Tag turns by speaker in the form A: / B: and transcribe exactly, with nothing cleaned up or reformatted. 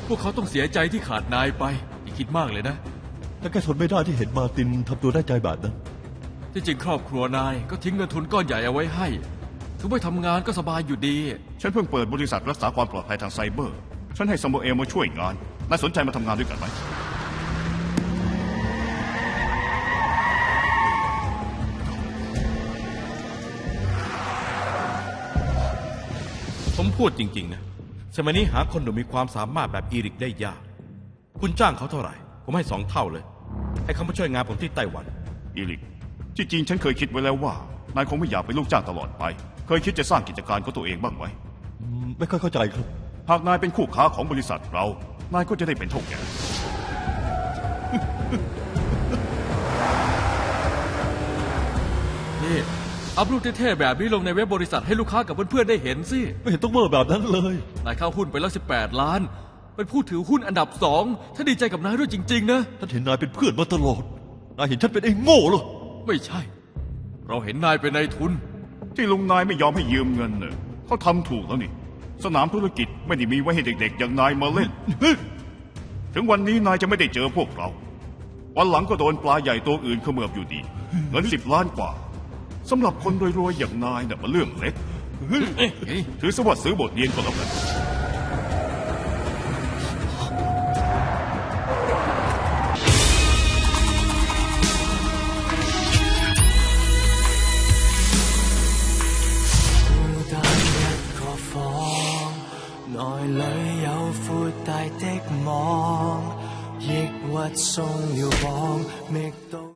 A: พวกเขาต้องเสียใจที่ขาดนายไปอย่าคิดมากเลยนะ
B: แต่แค่ทนไม่ได้ที่เห็นมาร์ตินทำตัวได้ใจแบบนั้น
A: ที่จริงครอบครัวนายก็ทิ้งเงินทุนก้อนใหญ่เอาไว้ให้ถึงไม่ทำงานก็สบายอยู่ดี
C: ฉันเพิ่งเปิดบริษัทรักษาความปลอดภัยทางไซเบอร์ฉันให้ซามูเอลมาช่วยงานนายสนใจมาทำงานด้วยกันไหม
D: ผมพูดจริงๆนะสมัยนี้หาคนหนุ่มมีความสามารถแบบอีริกได้ยากคุณจ้างเขาเท่าไหร่ผมให้สองเท่าเลยให้เขามาช่วยงานผมที่ไต้หวัน
C: อีริกที่จริงฉันเคยคิดไว้แล้วว่านายคงไม่อยากเป็นลูกจ้างตลอดไปเคยคิดจะสร้างกิจการของตัวเองบ้างไหม
B: ไม่ค่อยเข้าใจครับ
C: หากนายเป็นคู่ค้าของบริษัทเรานายก็จะได้เป็นเท่าแก่
A: นี่อัพรูปเท่ๆแบบนี้ลงในเว็บบริษัทให้ลูกค้ากับเพื่อนๆได้เห็นสิ
B: ไม่เห็นต้องเมื่อแบบนั้นเลย
A: นายเข้าหุ้นไปแล้วสิบแปดล้านเป็นผู้ถือหุ้นอันดับสองถ้าดีใจกับนายด้วยจริงๆนะ
B: ท่านเห็นนายเป็นเพื่อนมาตลอดนายเห็นฉันเป็นไอ้โง่เหรอ
A: ไม่ใช่เราเห็นนายเป็นนายทุน
C: ที่ลุงนายไม่ยอมให้ยืมเงินเน่ะเขาทำถูกแล้วนี่สนามธุรกิจไม่ได้มีไว้ให้เด็กๆอย่างนายมาเล่นถึงวันนี้นายจะไม่ได้เจอพวกเราวันหลังก็โดนปลาใหญ่ตัวอื่นเขมือบอยู่ดีเงินสิบล้านกว่าสำหรับคนรวยๆอย่างนายน่ะมันเรื่องเล็กถือซะว่าซื้อบทเรียนก็แล้วกัน
E: 內裏有闊大的網，抑鬱鬆了綁，覓到。